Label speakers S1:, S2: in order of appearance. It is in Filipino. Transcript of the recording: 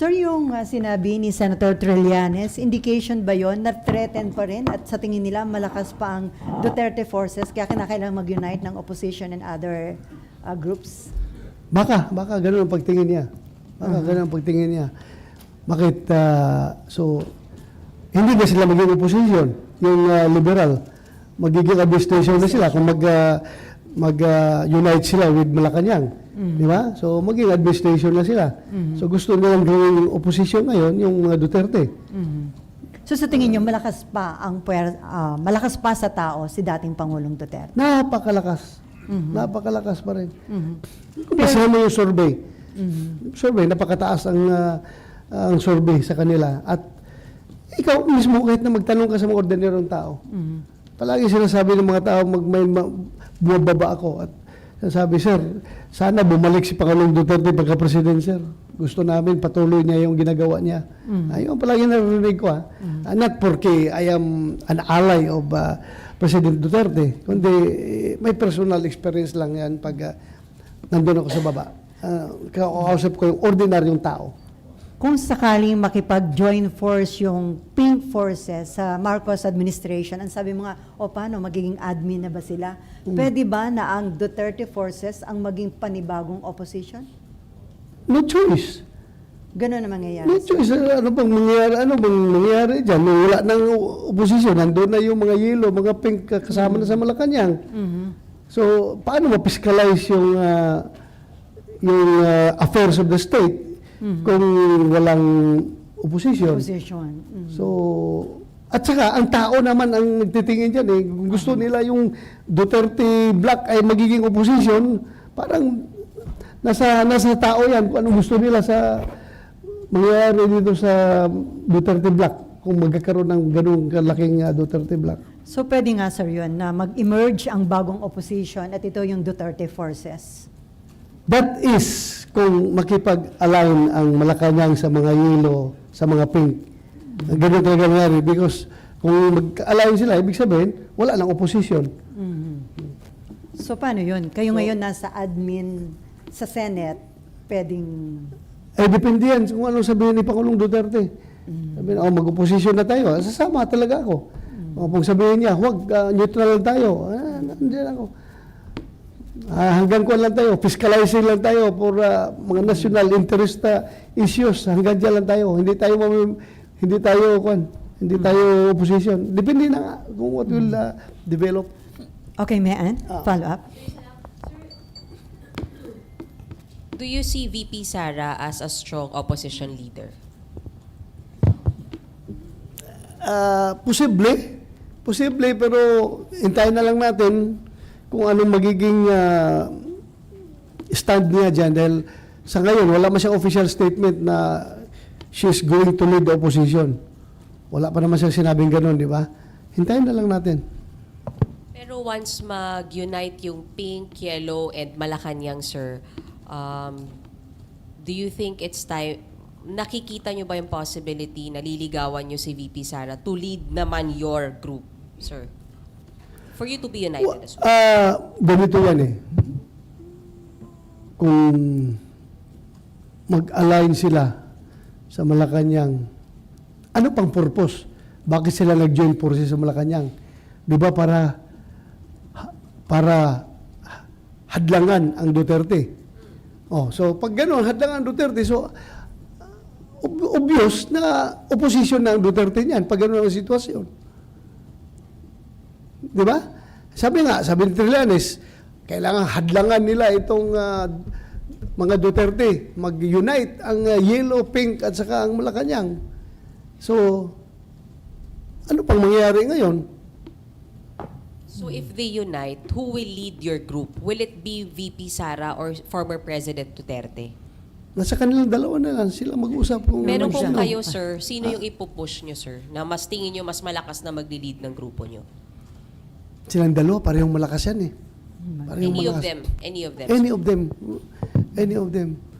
S1: Sir, yung sinabi ni Senator Trillanes, indication ba yon na threatened pa rin at sa tingin nila malakas pa ang Duterte forces kaya kinakailangan mag-unite ng opposition and other groups?
S2: Baka ganun ang pagtingin niya. Ganun ang pagtingin niya. Bakit, hindi na sila maging opposition, yung liberal. Magiging administration na sila kung mag-unite sila with Malacanang. Di ba? So, maging administration na sila. So, gusto nilang gawing opposition ngayon, yung Duterte.
S1: So, sa tingin niyo, malakas pa sa tao si dating Pangulong Duterte?
S2: Napakalakas. Napakalakas pa rin. Kung basahin mo yung survey, napakataas ang survey sa kanila. At ikaw mismo, kahit na magtanong ka sa mga ordinarong tao, palagi sinasabi ng mga tao, bumababa ako. At sabi, sir, sana bumalik si Pangulong Duterte pagka-president, sir. Gusto namin patuloy niya yung ginagawa niya. Ayun palagi narinig ko. Not porque I am an ally of President Duterte, kundi may personal experience lang yan pag nandun ako sa baba. Kakausap ko yung ordinaryong tao.
S1: Kung sakaling makipag-join force yung Pink Forces sa Marcos administration, ang sabi mo nga, paano, magiging admin na ba sila? Pwede ba na ang Duterte forces ang maging panibagong opposition?
S2: No choice.
S1: Gano'n na mangyayari.
S2: No choice. Ano bang mangyayari dyan? Wala nang opposition. Nandun na yung mga yellow, mga pink kasama na sa Malacanang. So, paano ma-fiscalize yung affairs of the state kung walang opposition? So, at saka, ang tao naman ang nagtitingin dyan. Kung gusto nila yung Duterte Black ay magiging opposition, parang nasa tao yan kung anong gusto nila sa mangyayari dito sa Duterte Black kung magkakaroon ng ganung kalaking Duterte Black.
S1: So, pwede nga, sir, yun, na mag-emerge ang bagong opposition at ito yung Duterte forces.
S2: That is kung makipag-align ang Malacanang sa mga yellow, sa mga pink. Ganun talaga nangyari because kung mag-align sila, ibig sabihin, wala nang opposition.
S1: So, paano yun? Kayo ngayon nasa admin sa Senate, pwedeng...
S2: Depende yan kung anong sabihin ni Pangulong Duterte. Sabihin, mag-opposition na tayo. Sasama talaga ako. Kung sabihin niya, huwag, neutral lang tayo. Nandiyan ako. Hanggang kuwan lang tayo, fiscalizing lang tayo for mga national interest issues. Hanggang dyan lang tayo. Hindi tayo opposition. Depende na nga kung what will develop.
S1: Okay, Mayan, follow up.
S3: Do you see VP Sara as a strong opposition leader?
S2: Posible, pero hintayin na lang natin kung anong magiging stand niya dyan. Dahil sa ngayon, wala man siyang official statement na she's going to lead the opposition. Wala pa naman siyang sinabing gano'n, di ba? Hintayin na lang natin.
S3: Pero once mag-unite yung pink, yellow, and Malacanang, sir, do you think it's time, nakikita nyo ba yung possibility na liligawan nyo si VP Sara to lead naman your group, sir? For you to be united as well.
S2: Ganito yan eh. Kung mag-align sila sa Malacanang, ano pang purpose? Bakit sila nag-join forces sa Malacanang? Di ba para hadlangan ang Duterte? So pag gano'n, hadlangan ang Duterte, so obvious na opposition na ang Duterte niyan pag gano'n ang sitwasyon. Di ba? Sabi ni Trillanes, kailangan hadlangan nila itong mga Duterte, mag-unite ang yellow, pink at saka ang Malacanang. So, ano pang mangyayari ngayon?
S3: So if they unite, who will lead your group? Will it be VP Sara or former President Duterte?
S2: Nasa kanilang dalawa na lang, sila mag-usap kung
S3: Pero
S2: ano
S3: kung
S2: sino.
S3: kayo, sir, sino yung ipupush nyo, sir, na mas tingin nyo mas malakas na mag-lead ng grupo nyo?
S2: Silang dalawa, parehong malakas yan eh. Parehong
S3: Any of
S2: malakas.
S3: them? Any of them?
S2: Any of them. Any of them.